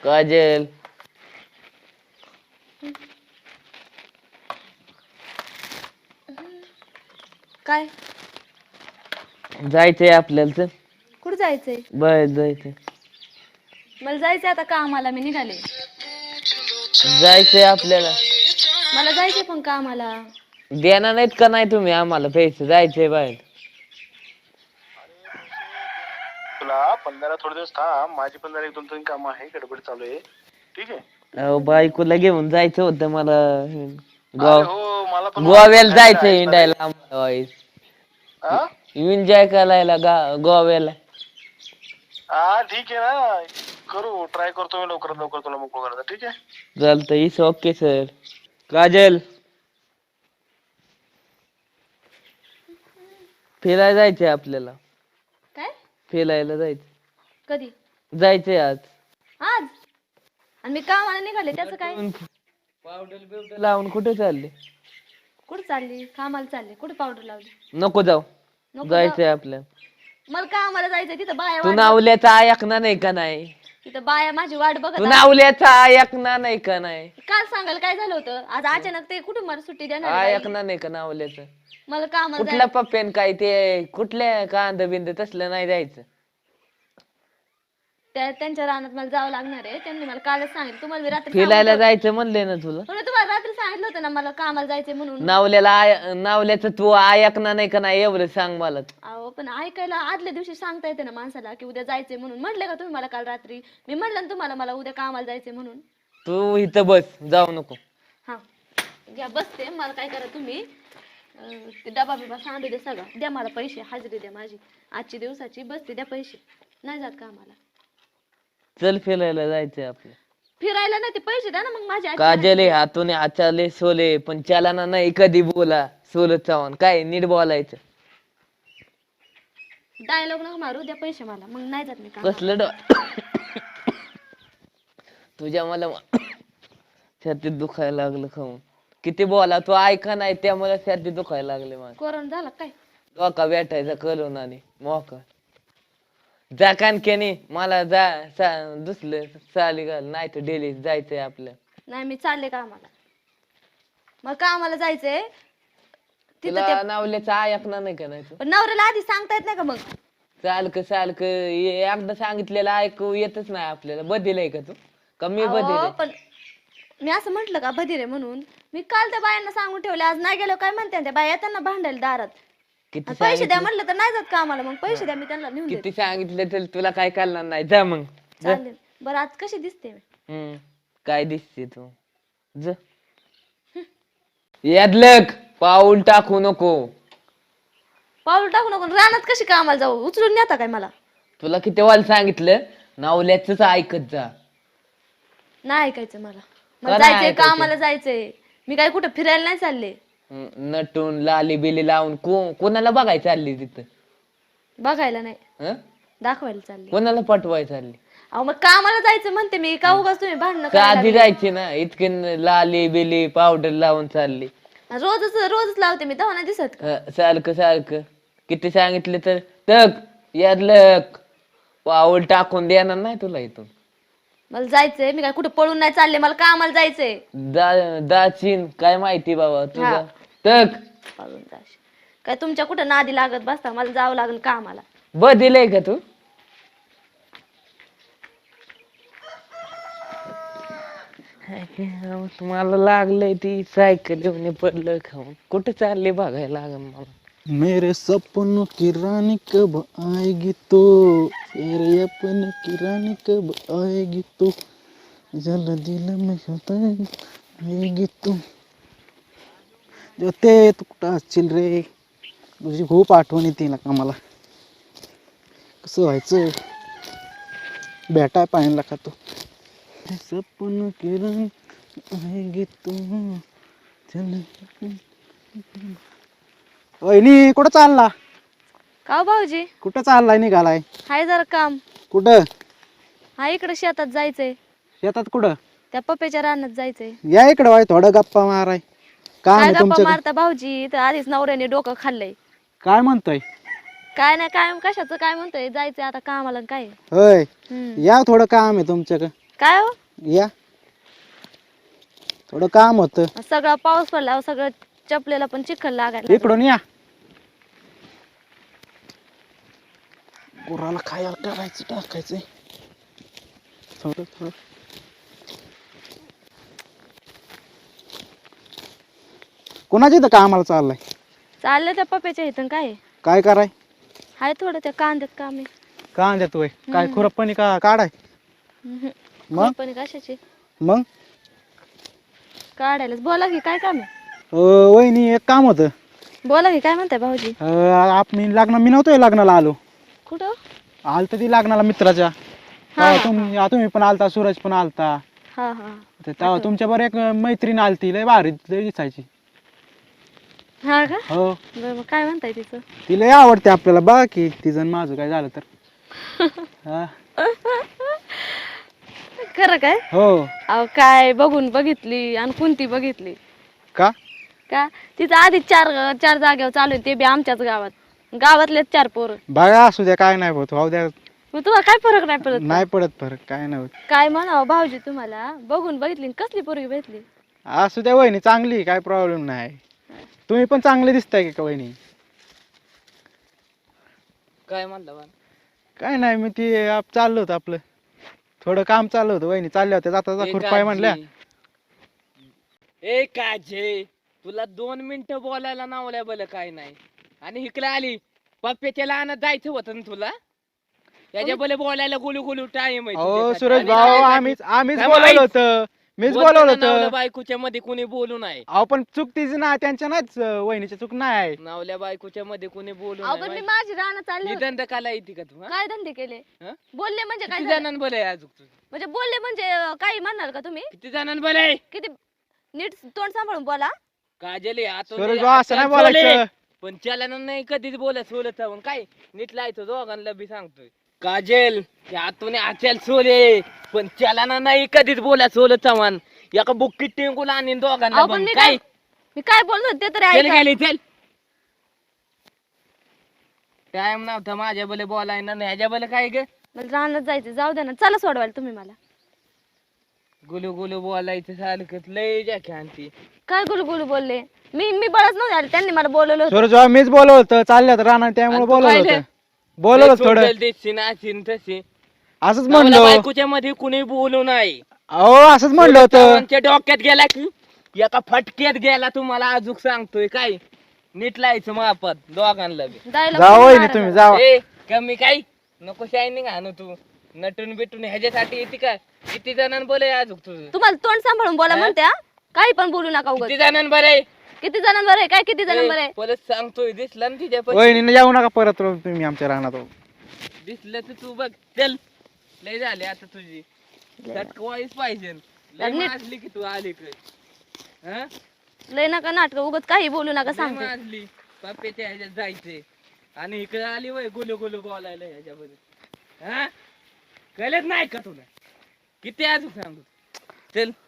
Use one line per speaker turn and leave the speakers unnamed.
काजल
काय
जायचंय आपल्याला तर
कुठं जायचंय?
बाहेर जायचंय.
मला जायचंय आता कामाला, मी निघाले.
जायचंय आपल्याला.
मला जायचंय पण कामाला.
देणार नाहीत का नाही तुम्ही आम्हाला पैसे? जायचंय बाहेर.
तुला पण जरा थोडे दिवस थांब, माझी पण जरा 1-2 काम आहे, गडबड चालू आहे. ठीक आहे.
अहो बायकोला घेऊन जायचं होतं मला.
अरे हो, मला पण
गोव्याला जायचंय हिंडायला आम्हाला.
हा
एन्जॉय करायला गोव्याला.
हा ठीक आहे ना, करू ट्राय करतो मी लवकरात लवकर तुला मोकळं करायचं. ठीक आहे.
चालतंय. इस ओके सर. काजल फिरायला जायचंय आपल्याला.
काय?
फिरायला जायचं.
कधी?
जायचंय आज.
आज? आणि मी कामाला निघाले, त्याचं काय?
पावडर बिवडर लावून कुठे चालले?
कुठं चालली? कामाला चालली. कुठे पावडर लावली?
नको जाऊ.
नको
जायचंय आपल्याला.
मला कामाला जायचंय. तिथं बाया
तू
वाट
नावल्याचा ऐकणार नाही का नाही?
तिथं बाया माझी वाट बघत
तू
आहेत.
नावल्याचा ऐकणार नाही का नाही?
काल सांगाल काय झालं होतं? आज अचानक ते कुठं मला सुट्टी देणार आहे बाई?
ऐकणार नाही का नावल्याचं?
मला कामाला
कुठल्या पप्प्यान काय ते कुठल्या कांद बिंद तसलं नाही द्यायचं.
त्यांच्या रानात मला जावं लागणार आहे. त्यांनी मला कालच सांगितलं. तुम्हाला मी रात्री
फिरायला जायचं म्हणले ना तुला.
तुम्हाला रात्री सांगितलं होतं ना मला कामाला जायचंय म्हणून.
नावल्याचं तू ऐकणार नाही का नाही एवढं सांग मला.
अहो पण ऐकायला आदल्या दिवशी सांगता येते ना माणसाला की उद्या जायचंय म्हणून. म्हटले का तुम्ही मला काल रात्री? मी म्हटलं ना तुम्हाला मला उद्या कामाला जायचंय म्हणून.
तू इथं बस, जाऊ नको.
हा घ्या बसते. मला काय करा तुम्ही, ते डबा बिबा सांडू दे सगळा. द्या मला पैसे, हजेरी द्या माझी आजची दिवसाची. बसते, द्या पैसे. नाही जात कामाला.
चल फिरायला जायचंय आपलं.
फिरायला नाही, ते पैसे द्या ना मग माझ्या.
काजले हातून हाताले सोले पण चालाना नाही कधी बोला. सोल चव्हाण काय नीट बोलायचं.
डायलॉग नका मारू, द्या पैसे मला. मग नाही जात मी काम.
कसलं तुझ्या मला छातीत दुखायला लागलं खाऊन. किती बोला तू ऐका नाही, त्यामुळे छातीत दुखायला लागले मला.
कोरोना झाला काय?
डोका भेटायचा करून आणि मोका जा कानकेनी मला दुसरं चाली घाल नाही तर डेली जायचंय आपलं.
नाही मी चालले कामाला. मग कामाला जायचंय तिथं.
तुला नावल्याचं ऐकणार नाही का नाही तू?
पण नवऱ्याला आधी सांगता येत नाही का मग?
सारखं एकदा सांगितलेलं ऐकू येतच नाही आपल्याला. बदलय का तू? कमी बदल.
पण मी असं म्हंटल का बधीर आहे म्हणून? मी काल त्या बायांना सांगून ठेवले. आज नाही गेलो काय म्हणते त्या बाया येतात ना भांडायला दारात.
किती
पैसे द्या म्हटलं तर नाही जात कामाला. मग पैसे द्या, मी त्यांना नेऊन देते.
किती सांगितलं तर तुला काय करणार नाही. जा मग.
चालेल. बरं आज कशी दिसते मी?
काय दिसते तू? यादलक पाऊल टाकू नको.
पाऊल टाकू नको. रानात कशी कामाला जाऊ? उचलून नेता काय मला?
तुला किती वाल सांगितलं नावल्याच ऐकत जा.
नाही ऐकायचं मला.
का
मला
नाही
जायचंय,
ऐकायचं?
कामाला जायचंय. मी काय कुठं फिरायला नाही चालले.
नटून लाली बिली लावून कोणाला बघाय चालली तिथं?
बघायला नाही,
हं?
दाखवायला चालले.
कोणाला पटवाय चालली?
अहो मग कामाला जायचं म्हणते मी. का उगाच तुम्ही भांडणं
का
करायला
आधी
लागले?
जायची ना? इतके लाली बिली पावडर लावून चालली.
रोजच लावते मी, तेव्हा नाही दिसत का?
सारखं किती सांगितलं तर तक यादलक पाऊल टाकून देणार नाही तुला इथून.
मला जायचंय. मी काय कुठं पळून नाही चालले. मला कामाला जायचंय.
दाचीन काय माहिती बाबा तुझा.
हा.
तक
पळून जायचं काय? तुमच्या कुठं नादी लागत बसता. मला जावं लागेल कामाला.
दिलंय का तू? मला लागलंय ती सायकल घेऊन पडलं खाऊन. कुठे चालले बघायला लागल मला.
मेरे सपनों की रानी कब आएगी तो, मेरे अपनों की रानी कब आएगी तो, जल दिल में होता आएगी तो. ते तू कुठं असशील रे? तुझी खूप आठवण येते ना का मला. कसं व्हायचं? भेटाय पाहिला का तो? सपनों की रानी आएगी तो. वहिनी कुठं चालला?
का हो भाऊजी?
कुठं चाललाय निघालाय?
हाय जरा काम.
कुठं?
हा इकडे शेतात जायचंय.
शेतात कुठं?
त्या पप्प्याच्या रानात जायचंय.
या इकडं वाय थोडं गप्पा माराय. काम
काय
आहे
गप्पा
तुमचं?
मारता भाऊजी? तर आधीच नवऱ्याने डोकं खाल्लंय.
काय म्हणतोय?
काय नाही, काय कशाचं काय म्हणतोय? जायचंय आता कामाला. काय
होय
हम्म.
या थोडं काम आहे तुमच्याकडं.
काय हो
या थोडं काम होतं.
सगळा पाऊस पडला सगळं चपलेला पण चिखल लागायला
इकडून या. गुराला खायला करायचं टाकायचंय थोडं थोडं. कोणाच्या इथं कामाला चाललाय?
चाललं त्या पप्याच्या इथून काय
काय कराय?
हाय थोडं त्या कांद्यात काम आहे.
का देतोय काय खुरपणी का काढाय? मग
पण कशाची
मग
काढायलाच बोला की काय काम आहे
वहिनी एक काम होतं.
बोला की काय म्हणताय भाऊजी
आपण मी नव्हतोय लग्नाला आलो.
कुठं
आलत ती लग्नाला मित्राच्या.
हा,
तेव्हा तुम्ही पण आलता, सूरज पण आलता.
हा हा
तेव्हा तुमच्या बरं एक मैत्रीण आलती, लय भारी लय दिसायची.
हा का
हो
बरं मग काय म्हणताय तिचं
तिला लय आवडते आपल्याला. बघा की तिचं माझं काय झालं तर. हा.
खरं काय
हो
अहो काय बघून बघितली आणि कोणती बघितली
का?
का तिचं आधी चार चार जागेवर चालू आहे ते बी आमच्याच गावात गावातलेच 4 पोरं
बघा असू द्या काय नाही होत. हो द्या.
मग तुम्हाला काय फरक नाही पडत
नाही पडत फरक काय नाही होत.
काय म्हणावं भाऊजी तुम्हाला बघून बघितली आणि कसली पोरगी भेटली
असू द्या वहिनी चांगली काय प्रॉब्लेम नाही. तुम्ही पण चांगले दिसताय का वहिनी?
काय म्हणलं बा?
काय नाही मी ती चाललो होतं आपलं थोडं काम चाललं होतं. वहिनी चालल्या होत्या जाता जाता खुरपाय म्हणल्या.
ए काजे तुला 2 मिनिटं बोलायला नावल्या बल काय नाही आणि इकडे आली पप्प्याच्या लहानात जायचं होतं ना तुला. त्याच्या बले बोलायला गुलू गुलू टाइम आहे
अहो
तुझ्यासाठी.
सुरेश
आणि
भाऊ
नाही
आम्हीच
काय
बोलवलं
माहित?
होतं. मीच
बोलताना
बोलवलं
नावल्या
होतं.
बायकोच्या मध्ये कोणी बोलू नये.
अहो पण चूक तिची ना त्यांच्या नाहीच वहिनीची चूक नाही.
नावल्या बायकोच्या मध्ये कोणी बोलू
अहो पण मी
नये.
माझी राहणं चालली होती.
निधन काला येते का तू हा?
काय धंदे केले
हं?
बोलले म्हणजे काय
किती
झालं?
जणांना बल आहे अजून तुझं?
म्हणजे बोलले म्हणजे काही म्हणणार का तुम्ही
किती जणांना बल आहे?
किती नीट तोंड सांभाळून बोला
काजल आतून
सुरेश
दे,
भाऊ असं नाही
हातात
बोलायचं.
सोले. पण चलन नाही कधीच बोलत जाऊन काय नीट लायचं दोघांना बी सांगतोय. काजल त्या आतून आचल सोले पण चलन नाही कधीच सोलत चव्हाण एका बुक्कीत टिंकून आणि दोघांना
अहो, पण
पण
मी
काय
मी काय बोललो ते तरी
चल
ऐका
गेली चल. टाइम नव्हता माझ्या बले बोलायला नाही ह्याच्या बले काय ग
मला रानात जायचं जाऊ द्या ना चला सोडवायला तुम्ही मला
गुलू गुलू बोलायचं सारखं लय जाख्यांती.
काय गुलू गुलू बोलले मी बळच नव्हते आले त्यांनी मला बोलवलं होतं
सुरेश भाऊ मीच बोलवलं होतं चालल्यात राहणार त्यामुळे
आणि तू
बोलवलं
काय
होतं. बोलवलं थोडं
तशी
असंच
नवला
म्हणलं.
बायकोच्या मध्ये कुणी बोलू नाही.
अहो असंच म्हणलं होतं.
चव्हाणच्या डोक्यात गेला की एका फटक्यात गेला तुम्हाला अजून सांगतोय काय नीट लायचं मापात दोघांना बी.
जायला
जावा
कोणी
वहिनी
मारत
तुम्ही
नाही.
जावा.
ए कमी काय नको शायनिंग आणू तू नटून बिटून ह्याच्यासाठी येते का? किती जणांना बोले अजून तुझं?
तुम्हाला तोंड सांभाळून बोला
हा?
म्हणत्या काही पण बोलू नका उगाच
किती जणांना बरे
किती जणांवर आहे काय किती जणांवर आहे
परत सांगतोय दिसला ना तिच्या
वहिनी जाऊ नका परत तुम्ही आमच्या राहणार.
दिसलं तर तू बघ चल लय झाले आता तुझी वाईस पाहिजे लय
नीट-
माजली की तू आली काय
लय नका नाटक उगाच काही बोलू नका सांगते
माजली पप्प्याच्या ह्याच्यात जायचे आणि इकडे आली वय गुलू गुलू बोलायला ह्याच्यामध्ये हा कळत नाही का तुला किती अजून सांगू चल